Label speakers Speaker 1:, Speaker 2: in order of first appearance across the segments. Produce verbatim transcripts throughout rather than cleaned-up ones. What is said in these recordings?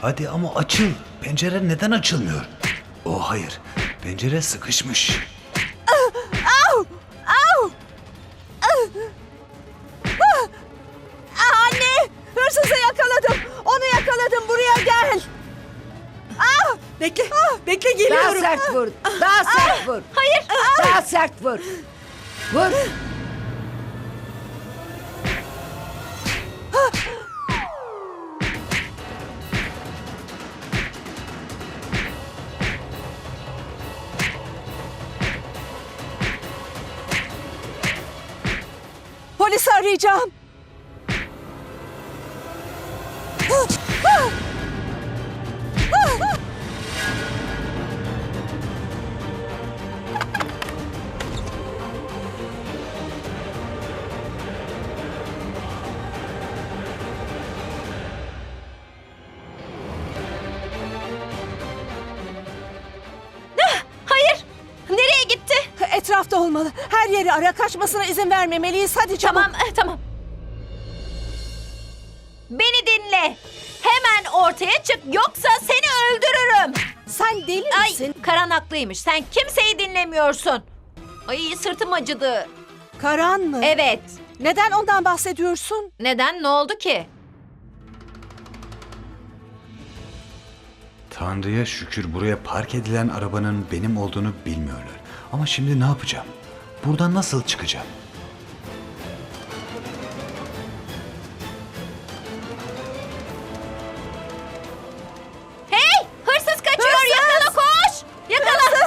Speaker 1: Hadi ama açıl. Pencere neden açılmıyor? Oh hayır. Pencere sıkışmış.
Speaker 2: Au! Au! Anne! Hırsızı yakaladım. Onu yakaladım. Buraya gel. Ah!
Speaker 3: Bekle, bekle
Speaker 4: Daha
Speaker 3: geliyorum.
Speaker 4: sert vur. Daha sert vur.
Speaker 2: Hayır.
Speaker 4: Daha sert vur. Vur.
Speaker 2: Polisi arayacağım.
Speaker 5: Hayır. Nereye gitti?
Speaker 2: Etrafta olmalı. Her yeri ara, kaçmasına izin vermemeliyiz. Hadi çabuk.
Speaker 5: Tamam, eh, tamam. Beni dinle. Hemen ortaya çık yoksa seni öldürürüm.
Speaker 2: Sen deli
Speaker 5: Ay,
Speaker 2: misin?
Speaker 5: Karan haklıymış. Sen kimseyi dinlemiyorsun. Ay sırtım acıdı.
Speaker 2: Karan mı?
Speaker 5: Evet.
Speaker 2: Neden ondan bahsediyorsun?
Speaker 5: Neden? Ne oldu ki?
Speaker 1: Tanrı'ya şükür buraya park edilen arabanın benim olduğunu bilmiyorlar. Ama şimdi ne yapacağım? Buradan nasıl çıkacağım?
Speaker 5: Hey! Hırsız kaçıyor. Yakala koş. Yakala.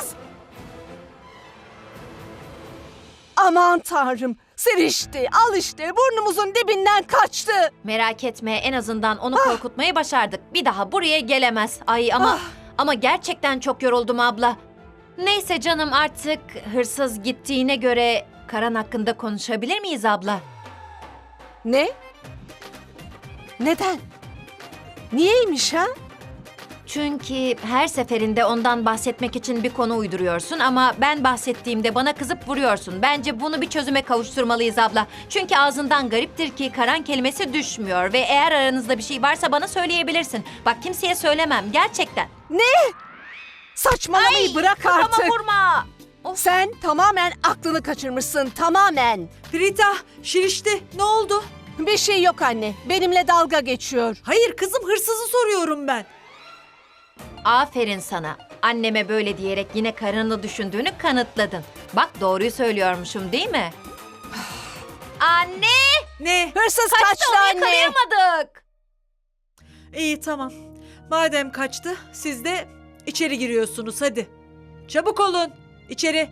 Speaker 2: Aman tanrım. Sirişti. Al işte. Burnumuzun dibinden kaçtı.
Speaker 5: Merak etme. En azından onu korkutmayı başardık. Bir daha buraya gelemez. Ay ama
Speaker 2: Ah.
Speaker 5: ama gerçekten çok yoruldum abla. Neyse canım artık hırsız gittiğine göre Karan hakkında konuşabilir miyiz abla?
Speaker 2: Ne? Neden? Niyeymiş ha?
Speaker 5: Çünkü her seferinde ondan bahsetmek için bir konu uyduruyorsun ama ben bahsettiğimde bana kızıp vuruyorsun. Bence bunu bir çözüme kavuşturmalıyız abla. Çünkü ağzından gariptir ki Karan kelimesi düşmüyor ve eğer aranızda bir şey varsa bana söyleyebilirsin. Bak kimseye söylemem gerçekten.
Speaker 2: Saçmalamayı bırak
Speaker 5: Kafama
Speaker 2: artık.
Speaker 5: vurma. Of.
Speaker 2: Sen tamamen aklını kaçırmışsın. Tamamen.
Speaker 3: Rita, Şirişti. Ne oldu?
Speaker 2: Bir şey yok anne. Benimle dalga geçiyor.
Speaker 3: Hayır kızım, hırsızı soruyorum ben.
Speaker 5: Aferin sana. Anneme böyle diyerek yine karını düşündüğünü kanıtladın. Bak doğruyu söylüyormuşum değil mi? Anne!
Speaker 3: Ne?
Speaker 2: Hırsız
Speaker 5: Kaçtı
Speaker 2: kaçtı
Speaker 5: onu
Speaker 2: anne.
Speaker 5: yakalayamadık.
Speaker 3: İyi tamam. Madem kaçtı, siz de içeri giriyorsunuz hadi. Çabuk olun. İçeri.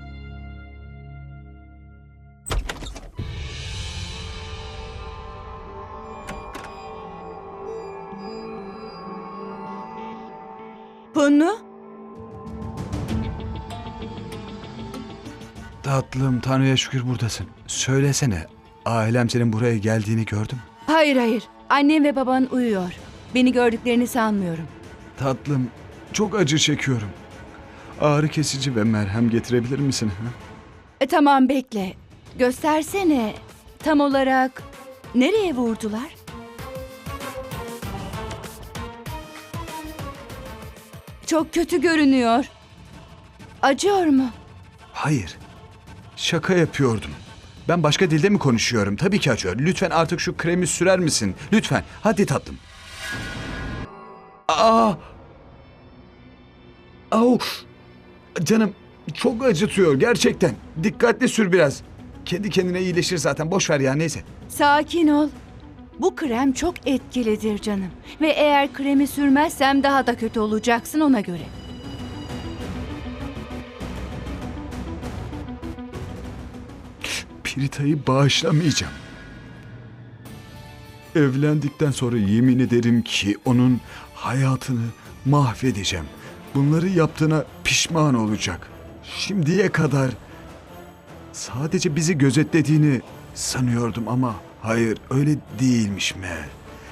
Speaker 2: Bunu?
Speaker 1: Tatlım Tanrı'ya şükür buradasın. Söylesene. Ailem senin buraya geldiğini gördüm.
Speaker 6: Hayır hayır. Annem ve baban uyuyor. Beni gördüklerini sanmıyorum.
Speaker 1: Tatlım çok acı çekiyorum. Ağrı kesici ve merhem getirebilir misin? Ha?
Speaker 6: E, tamam bekle. Göstersene. Tam olarak nereye vurdular? Çok kötü görünüyor. Acıyor mu?
Speaker 1: Hayır. Şaka yapıyordum. Ben başka dilde mi konuşuyorum? Tabii ki acıyor. Lütfen artık şu kremi sürer misin? Lütfen. Hadi tatlım. Aa! Au! Canım çok acıtıyor gerçekten. Dikkatli sür biraz. Kendi kendine iyileşir zaten. Boş ver ya neyse.
Speaker 6: Sakin ol. Bu krem çok etkilidir canım. Ve eğer kremi sürmezsem daha da kötü olacaksın ona göre.
Speaker 1: Pirita'yı bağışlamayacağım. Evlendikten sonra yemin ederim ki onun hayatını mahvedeceğim. Bunları yaptığına pişman olacak. Şimdiye kadar sadece bizi gözetlediğini sanıyordum ama hayır öyle değilmiş meğer.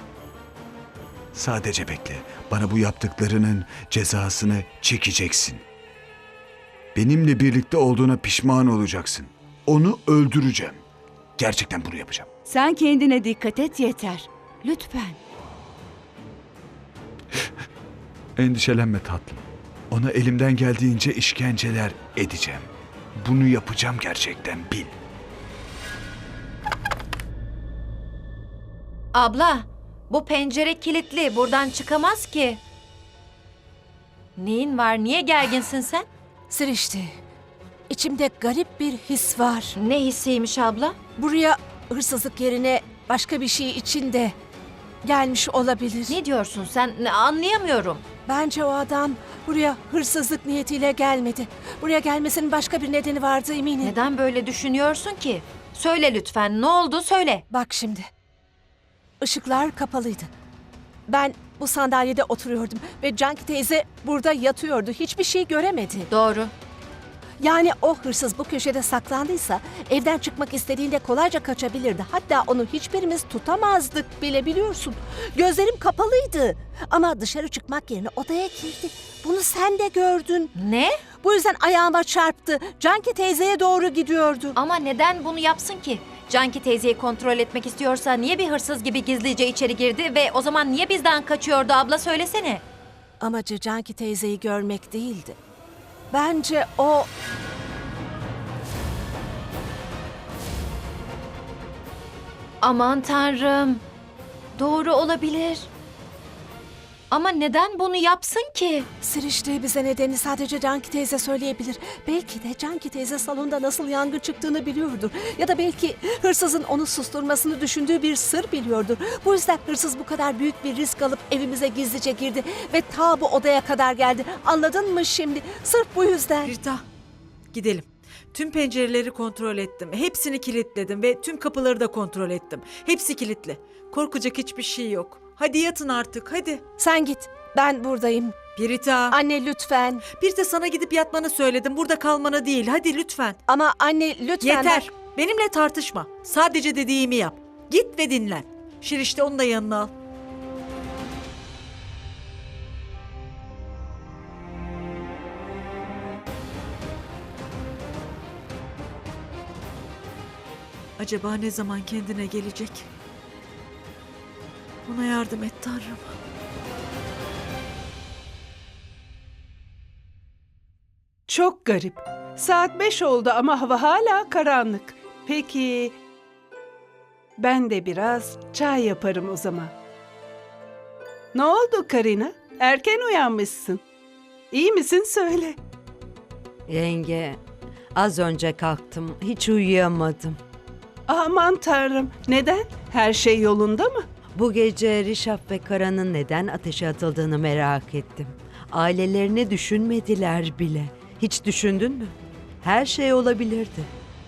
Speaker 1: Sadece bekle. Bana bu yaptıklarının cezasını çekeceksin. Benimle birlikte olduğuna pişman olacaksın. Onu öldüreceğim. Gerçekten bunu yapacağım.
Speaker 6: Sen kendine dikkat et yeter. Lütfen.
Speaker 1: Endişelenme tatlım. Ona elimden geldiğince işkenceler edeceğim. Bunu yapacağım gerçekten, bil.
Speaker 5: Abla, bu pencere kilitli. Buradan çıkamaz ki. Neyin var? Niye gerginsin sen?
Speaker 2: Sirişti. İçimde garip bir his var.
Speaker 5: Ne hissiymiş abla?
Speaker 2: Buraya hırsızlık yerine başka bir şey için de gelmiş olabilir.
Speaker 5: Ne diyorsun sen? Ne- Anlayamıyorum.
Speaker 2: Bence o adam buraya hırsızlık niyetiyle gelmedi. Buraya gelmesinin başka bir nedeni vardı eminim.
Speaker 5: Neden böyle düşünüyorsun ki? Söyle lütfen. Ne oldu? Söyle.
Speaker 2: Bak şimdi. Işıklar kapalıydı. Ben bu sandalyede oturuyordum ve Canki teyze burada yatıyordu. Hiçbir şey göremedi.
Speaker 5: Doğru.
Speaker 2: Yani o hırsız bu köşede saklandıysa evden çıkmak istediğinde kolayca kaçabilirdi. Hatta onu hiçbirimiz tutamazdık bile, biliyorsun. Gözlerim kapalıydı ama dışarı çıkmak yerine odaya girdi. Bunu sen de gördün.
Speaker 5: Ne?
Speaker 2: Bu yüzden ayağıma çarptı. Canki teyzeye doğru gidiyordu.
Speaker 5: Ama neden bunu yapsın ki? Canki teyzeyi kontrol etmek istiyorsa niye bir hırsız gibi gizlice içeri girdi ve o zaman niye bizden kaçıyordu abla, söylesene.
Speaker 2: Amacı Canki teyzeyi görmek değildi. Bence o...
Speaker 5: Aman tanrım. Doğru olabilir. Ama neden bunu yapsın ki?
Speaker 2: Siriştiği bize nedeni sadece Canki teyze söyleyebilir. Belki de Canki teyze salonda nasıl yangın çıktığını biliyordur. Ya da belki hırsızın onu susturmasını düşündüğü bir sır biliyordur. Bu yüzden hırsız bu kadar büyük bir risk alıp evimize gizlice girdi ve ta bu odaya kadar geldi. Anladın mı şimdi? Sırf bu yüzden.
Speaker 3: Rita, gidelim. Tüm pencereleri kontrol ettim. Hepsini kilitledim ve tüm kapıları da kontrol ettim. Hepsi kilitli. Korkacak hiçbir şey yok. Hadi yatın artık, hadi.
Speaker 2: Sen git. Ben buradayım.
Speaker 3: Pirita.
Speaker 2: Anne lütfen.
Speaker 3: Bir de sana gidip yatmanı söyledim. Burada kalmanı değil. Hadi lütfen.
Speaker 2: Ama anne lütfen.
Speaker 3: Yeter.
Speaker 2: bak-
Speaker 3: Benimle tartışma. Sadece dediğimi yap. Git ve dinlen. Şirişte onu da yanına al. Acaba ne zaman kendine gelecek? Ona yardım et Tanrım.
Speaker 7: Çok garip. Saat beş oldu ama hava hala karanlık. Peki, ben de biraz çay yaparım o zaman. Ne oldu Karina? Erken uyanmışsın. İyi misin söyle.
Speaker 4: Yenge, az önce kalktım. Hiç uyuyamadım.
Speaker 7: Aman tanrım, neden? Her şey yolunda mı?
Speaker 4: Bu gece Rişap ve Karan'ın neden ateşe atıldığını merak ettim. Ailelerini düşünmediler bile. Hiç düşündün mü? Her şey olabilirdi.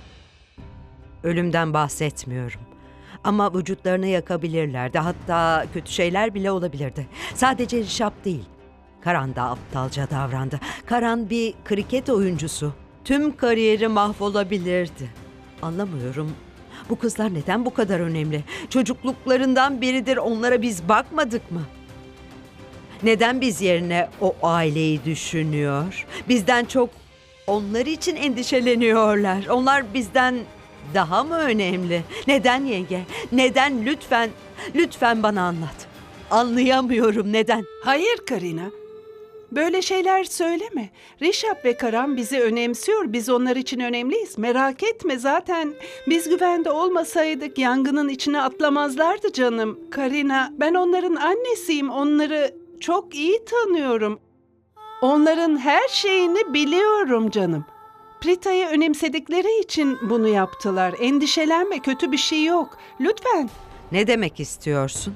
Speaker 4: Ölümden bahsetmiyorum. Ama vücutlarını yakabilirlerdi. Hatta kötü şeyler bile olabilirdi. Sadece Rişap değil. Karan da aptalca davrandı. Karan bir kriket oyuncusu. Tüm kariyeri mahvolabilirdi. Anlamıyorum. Bu kızlar neden bu kadar önemli? Çocukluklarından beridir onlara biz bakmadık mı? Neden biz yerine o aileyi düşünüyor? Bizden çok onlar için endişeleniyorlar. Onlar bizden daha mı önemli? Neden yenge? Neden lütfen, lütfen bana anlat. Anlayamıyorum neden?
Speaker 7: Hayır Karina. Böyle şeyler söyleme. Rişap ve Karan bizi önemsiyor. Biz onlar için önemliyiz. Merak etme, zaten biz güvende olmasaydık yangının içine atlamazlardı canım. Karina, ben onların annesiyim. Onları çok iyi tanıyorum. Onların her şeyini biliyorum canım. Prita'yı önemsedikleri için bunu yaptılar. Endişelenme, kötü bir şey yok. Lütfen.
Speaker 4: Ne demek istiyorsun?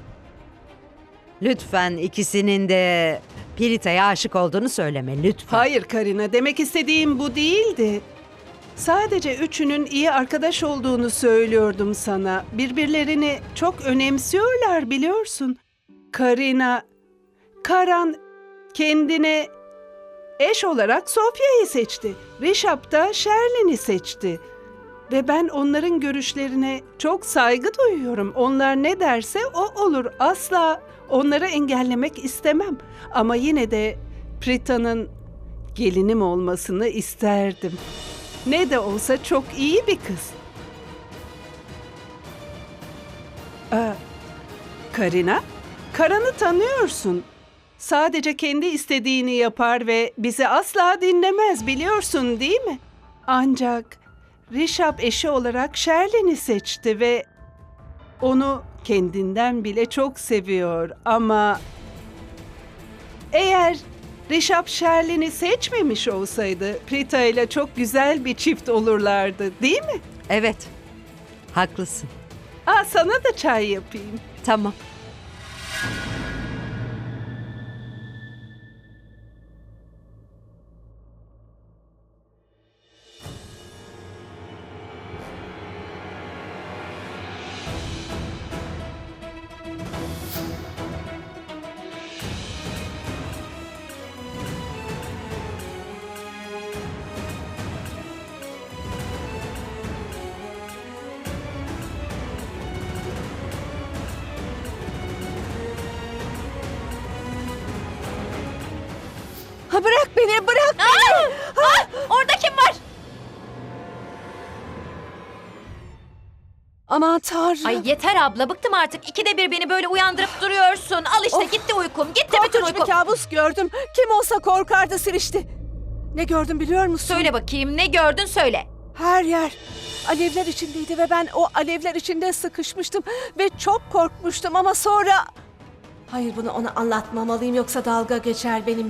Speaker 4: Lütfen ikisinin de Pirita'ya aşık olduğunu söyleme lütfen.
Speaker 7: Hayır Karina, demek istediğim bu değildi. Sadece üçünün iyi arkadaş olduğunu söylüyordum sana. Birbirlerini çok önemsiyorlar biliyorsun. Karina, Karan kendine eş olarak Sofya'yı seçti. Rişap da Sherlin'i seçti. Ve ben onların görüşlerine çok saygı duyuyorum. Onlar ne derse o olur. Asla onları engellemek istemem. Ama yine de Prita'nın gelinim olmasını isterdim. Ne de olsa çok iyi bir kız. Aa, Karina, Karan'ı tanıyorsun. sadece kendi istediğini yapar ve bizi asla dinlemez, biliyorsun değil mi? Ancak Rişap eşi olarak Sherlin'i seçti ve onu kendinden bile çok seviyor. Ama eğer Rişap Sherlin'i seçmemiş olsaydı Prita ile çok güzel bir çift olurlardı, değil mi?
Speaker 4: Evet, haklısın.
Speaker 7: Aa, sana da çay yapayım.
Speaker 4: Tamam.
Speaker 2: Ha, bırak beni, bırak beni.
Speaker 5: Orada kim var?
Speaker 2: Aman Tanrım.
Speaker 5: Ay yeter abla, bıktım artık. İkide bir beni böyle uyandırıp duruyorsun. Al işte,
Speaker 2: Of.
Speaker 5: gitti uykum. Gitti bütün
Speaker 2: Korkunç bir
Speaker 5: uykum.
Speaker 2: kabus gördüm. Kim olsa korkardı Sirişti. Ne gördüm biliyor musun?
Speaker 5: Söyle bakayım, ne gördün söyle.
Speaker 2: Her yer alevler içindeydi ve ben o alevler içinde sıkışmıştım ve çok korkmuştum ama sonra... Hayır, bunu ona anlatmamalıyım yoksa dalga geçer benimle.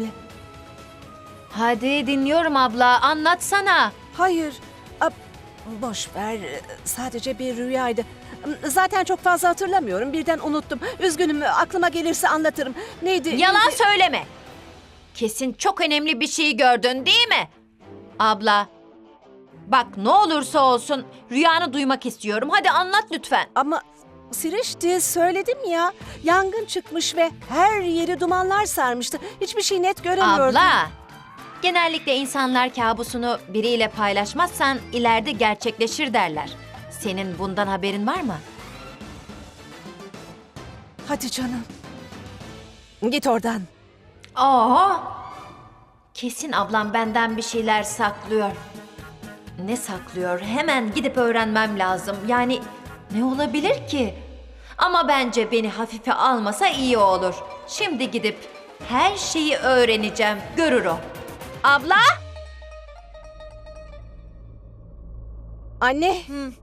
Speaker 5: Hadi dinliyorum abla, anlatsana.
Speaker 2: Hayır, a, boş ver. Sadece bir rüyaydı. Zaten çok fazla hatırlamıyorum. Birden unuttum. Üzgünüm, aklıma gelirse anlatırım. Neydi?
Speaker 5: Yalan
Speaker 2: neydi?
Speaker 5: söyleme. Kesin çok önemli bir şey gördün değil mi? Abla, bak ne olursa olsun rüyanı duymak istiyorum. Hadi anlat lütfen.
Speaker 2: Ama Sirişti, söyledim ya. Yangın çıkmış ve her yeri dumanlar sarmıştı. Hiçbir şey net göremiyordum.
Speaker 5: Abla, genellikle insanlar kabusunu biriyle paylaşmazsan ileride gerçekleşir derler. Senin bundan haberin var mı?
Speaker 2: Hadi canım. Git oradan.
Speaker 5: Aa! Kesin ablam benden bir şeyler saklıyor. Ne saklıyor? Hemen gidip öğrenmem lazım. Yani ne olabilir ki? Ama bence beni hafife almasa iyi olur. Şimdi gidip her şeyi öğreneceğim. Görür o. Abla!
Speaker 2: Anne.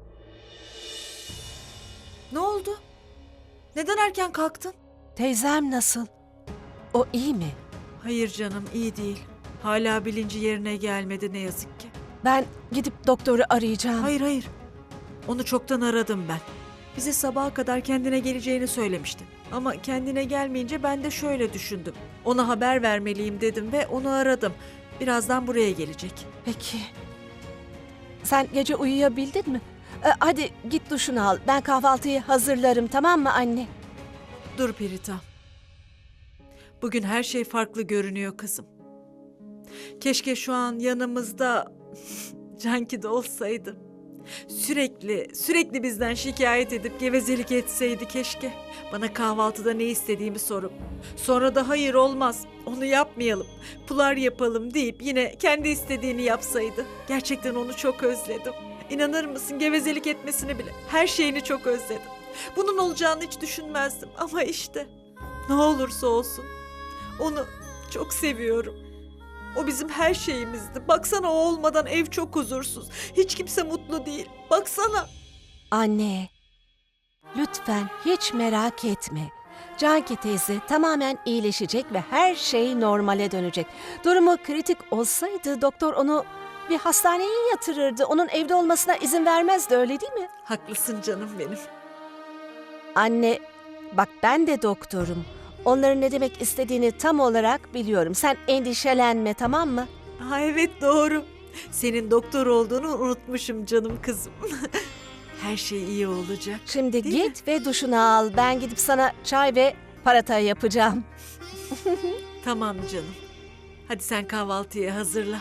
Speaker 3: Ne oldu? Neden erken kalktın?
Speaker 2: Teyzem nasıl? O iyi mi?
Speaker 3: Hayır canım, iyi değil. Hala bilinci yerine gelmedi ne yazık ki.
Speaker 2: Ben gidip doktoru arayacağım.
Speaker 3: Hayır hayır. Onu çoktan aradım ben. Bize sabaha kadar kendine geleceğini söylemişti. Ama kendine gelmeyince ben de şöyle düşündüm. Ona haber vermeliyim dedim ve onu aradım. Birazdan buraya gelecek.
Speaker 2: Peki. Sen gece uyuyabildin mi? Ee, hadi git duşunu al. Ben kahvaltıyı hazırlarım, tamam mı anne?
Speaker 3: Dur Pirita. Bugün her şey farklı görünüyor kızım. Keşke şu an yanımızda Canki de olsaydı. Sürekli, sürekli bizden şikayet edip gevezelik etseydi keşke. Bana kahvaltıda ne istediğimi sorup, sonra da hayır olmaz, onu yapmayalım, pular yapalım deyip yine kendi istediğini yapsaydı. Gerçekten onu çok özledim. İnanır mısın, gevezelik etmesini bile, her şeyini çok özledim. Bunun olacağını hiç düşünmezdim ama işte ne olursa olsun onu çok seviyorum. O bizim her şeyimizdi. Baksana, o olmadan ev çok huzursuz. Hiç kimse mutlu değil. Baksana.
Speaker 2: Anne, lütfen hiç merak etme. Canki teyze tamamen iyileşecek ve her şey normale dönecek. Durumu kritik olsaydı doktor onu bir hastaneye yatırırdı. Onun evde olmasına izin vermezdi, öyle değil mi?
Speaker 3: Haklısın canım benim.
Speaker 2: Anne, bak ben de doktorum. Onların ne demek istediğini tam olarak biliyorum. Sen endişelenme, tamam mı?
Speaker 3: Ha evet, doğru. Senin doktor olduğunu unutmuşum canım kızım. Her şey iyi olacak.
Speaker 2: Şimdi
Speaker 3: Değil
Speaker 2: git ve duşunu al. Ben gidip sana çay ve parata yapacağım.
Speaker 3: Tamam canım. Hadi sen kahvaltıyı hazırla.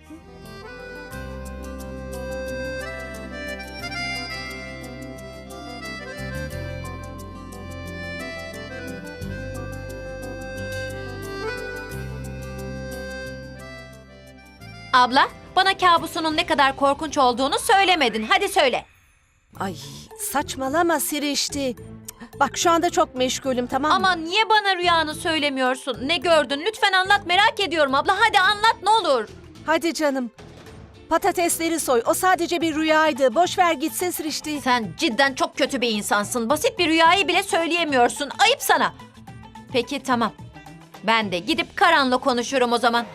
Speaker 5: Abla, bana kabusunun ne kadar korkunç olduğunu söylemedin. Hadi söyle.
Speaker 2: Ay, saçmalama Sirişti. Bak şu anda çok meşgulüm, tamam mı?
Speaker 5: Ama niye bana rüyanı söylemiyorsun? Ne gördün? Lütfen anlat, merak ediyorum abla. Hadi anlat ne olur.
Speaker 2: Hadi canım. Patatesleri soy. O sadece bir rüyaydı. Boş ver gitsin Srişti.
Speaker 5: Sen cidden çok kötü bir insansın. Basit bir rüyayı bile söyleyemiyorsun. Ayıp sana. Peki tamam. Ben de gidip Karan'la konuşurum o zaman.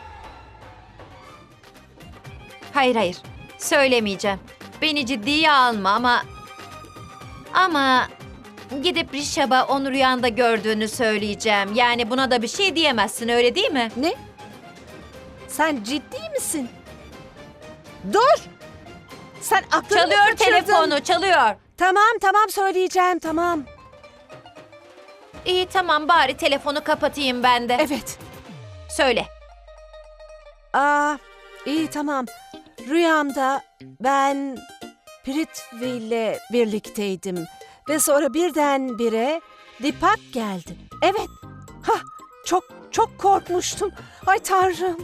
Speaker 5: Hayır hayır. Söylemeyeceğim. Beni ciddiye alma ama... Ama... Gidip Rişab'a onu rüyanda gördüğünü söyleyeceğim. Yani buna da bir şey diyemezsin, öyle değil mi?
Speaker 2: Ne? Sen ciddi misin? Dur! Sen aklını mı
Speaker 5: Çalıyor
Speaker 2: kaçırdın?
Speaker 5: telefonu, çalıyor.
Speaker 2: Tamam tamam söyleyeceğim, tamam.
Speaker 5: İyi tamam, bari telefonu kapatayım ben de.
Speaker 2: Evet.
Speaker 5: Söyle.
Speaker 2: Aa, iyi tamam. Rüyamda ben Prithvi ile birlikteydim. Ve sonra birdenbire Dipak geldi. Evet. Hah, çok çok korkmuştum. Ay Tanrım.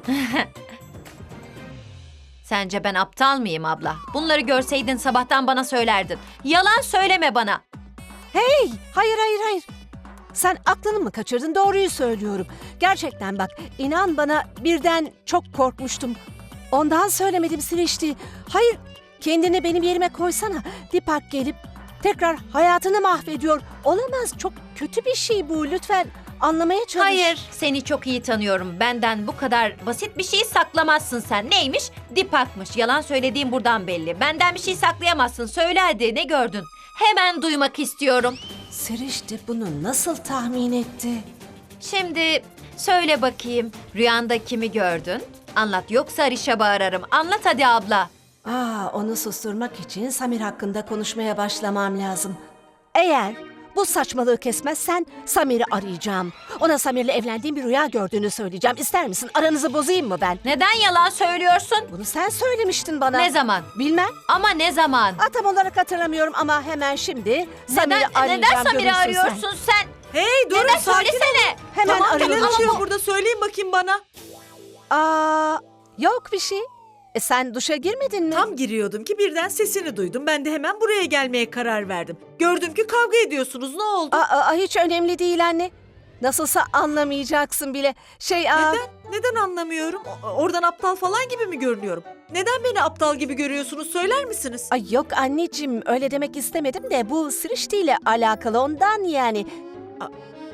Speaker 5: Sence ben aptal mıyım abla? Bunları görseydin sabahtan bana söylerdin. Yalan söyleme bana.
Speaker 2: Hey, hayır hayır hayır. Sen aklını mı kaçırdın? Doğruyu söylüyorum. Gerçekten bak, inan bana birden çok korkmuştum. Ondan söylemedim Srişti. Hayır, kendini benim yerime koysana. Dipak gelip tekrar hayatını mahvediyor. Olamaz, çok kötü bir şey bu. Lütfen anlamaya çalış.
Speaker 5: Hayır, seni çok iyi tanıyorum. Benden bu kadar basit bir şey saklamazsın sen. Neymiş? Dipakmış. Yalan söylediğim buradan belli. Benden bir şey saklayamazsın. Söyle hadi, ne gördün? Hemen duymak istiyorum.
Speaker 2: Srişti bunu nasıl tahmin etti?
Speaker 5: Şimdi söyle bakayım. Rüyanda kimi gördün? Anlat, yoksa Rişab'ı ararım. Anlat hadi abla.
Speaker 2: Aa, onu susturmak için Samir hakkında konuşmaya başlamam lazım. Eğer bu saçmalığı kesmezsen Samir'i arayacağım. Ona Samir'le evlendiğim bir rüya gördüğünü söyleyeceğim. İster misin? Aranızı bozayım mı ben?
Speaker 5: Neden yalan söylüyorsun?
Speaker 2: Bunu sen söylemiştin bana.
Speaker 5: Ne zaman?
Speaker 2: Bilmem.
Speaker 5: Ama ne zaman?
Speaker 2: Aa, tam olarak hatırlamıyorum ama hemen şimdi Samir'i
Speaker 5: Neden,
Speaker 2: arayacağım.
Speaker 5: neden Samir'i
Speaker 2: görürsün
Speaker 5: arıyorsun sen?
Speaker 3: Hey durun,
Speaker 5: Neden
Speaker 3: sakin olun.
Speaker 5: söylesene?
Speaker 2: Hemen
Speaker 3: Tamam,
Speaker 2: arıyorum.
Speaker 3: neler
Speaker 2: Ama
Speaker 3: oluyor
Speaker 2: bu-
Speaker 3: burada, söyleyin bakayım bana.
Speaker 2: Aa, yok bir şey. E, sen duşa girmedin mi?
Speaker 3: Tam giriyordum ki birden sesini duydum. Ben de hemen buraya gelmeye karar verdim. Gördüm ki kavga ediyorsunuz. Ne oldu?
Speaker 2: Aa, aa, hiç önemli değil anne. Nasılsa anlamayacaksın bile. Şey, aa,
Speaker 3: Neden? Neden anlamıyorum? O- Oradan aptal falan gibi mi görünüyorum? Neden beni aptal gibi görüyorsunuz, söyler misiniz?
Speaker 2: Ay yok anneciğim, öyle demek istemedim de bu Srişti ile alakalı, ondan yani. A-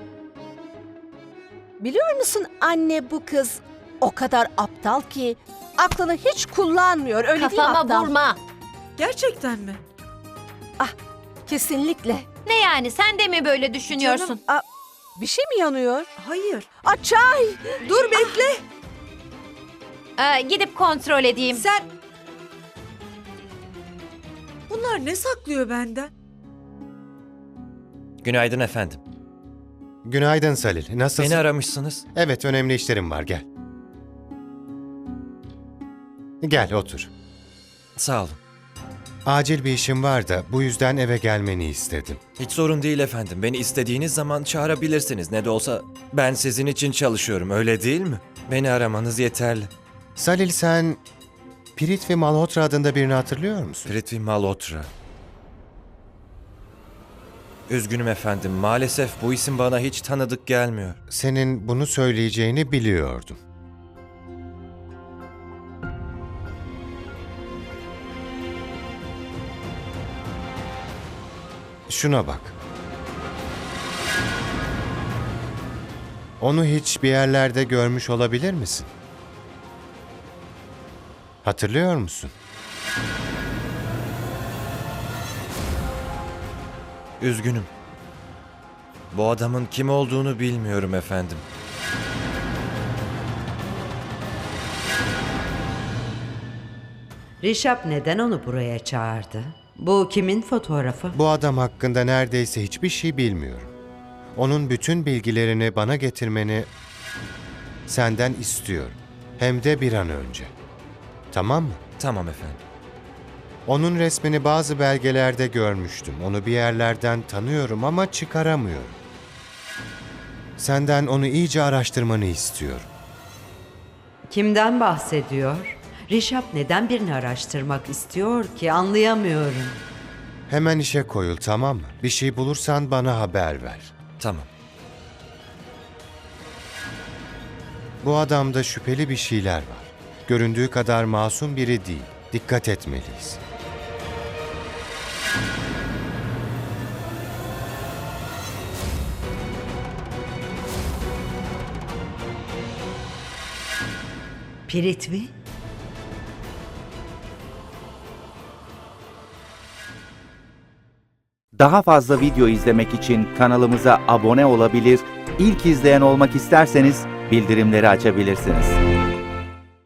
Speaker 2: Biliyor musun anne, bu kız o kadar aptal ki aklını hiç kullanmıyor, öyle değil mi
Speaker 5: Kafama
Speaker 2: aptal?
Speaker 5: vurma.
Speaker 3: Gerçekten mi?
Speaker 2: Kesinlikle.
Speaker 5: Ne yani, sen de mi böyle düşünüyorsun?
Speaker 2: Aa, bir şey mi yanıyor?
Speaker 3: Hayır.
Speaker 2: Aa, çay!
Speaker 3: Dur bekle.
Speaker 5: Ee, gidip kontrol edeyim.
Speaker 3: Sen... Bunlar ne saklıyor benden?
Speaker 8: Günaydın efendim.
Speaker 9: Günaydın Salil. Nasılsın?
Speaker 8: Beni aramışsınız.
Speaker 9: Evet, önemli işlerim var. Gel. Gel, otur.
Speaker 8: Sağ olun.
Speaker 9: Acil bir işim var da bu yüzden eve gelmeni istedim.
Speaker 8: Hiç sorun değil efendim. Beni istediğiniz zaman çağırabilirsiniz. Ne de olsa ben sizin için çalışıyorum, öyle değil mi? Beni aramanız yeterli.
Speaker 9: Salil, sen Prithvi Malhotra adında birini hatırlıyor musun?
Speaker 8: Prithvi Malhotra. Üzgünüm efendim. Maalesef bu isim bana hiç tanıdık gelmiyor.
Speaker 9: Senin bunu söyleyeceğini biliyordum. Şuna bak. Onu hiç bir yerlerde görmüş olabilir misin? Hatırlıyor musun?
Speaker 8: Üzgünüm. Bu adamın kim olduğunu bilmiyorum efendim.
Speaker 4: Rişap neden onu buraya çağırdı? Bu kimin fotoğrafı?
Speaker 9: Bu adam hakkında neredeyse hiçbir şey bilmiyorum. Onun bütün bilgilerini bana getirmeni senden istiyorum. Hem de bir an önce. Tamam mı?
Speaker 8: Tamam efendim.
Speaker 9: Onun resmini bazı belgelerde görmüştüm. Onu bir yerlerden tanıyorum ama çıkaramıyorum. Senden onu iyice araştırmanı istiyorum.
Speaker 4: Kimden bahsediyor? Rişap neden birini araştırmak istiyor ki, anlayamıyorum.
Speaker 9: Hemen işe koyul, tamam mı? Bir şey bulursan bana haber ver.
Speaker 8: Tamam.
Speaker 9: Bu adamda şüpheli bir şeyler var. Göründüğü kadar masum biri değil. Dikkat etmeliyiz.
Speaker 4: Piritvi?
Speaker 10: Daha fazla video izlemek için kanalımıza abone olabilir, ilk izleyen olmak isterseniz bildirimleri açabilirsiniz.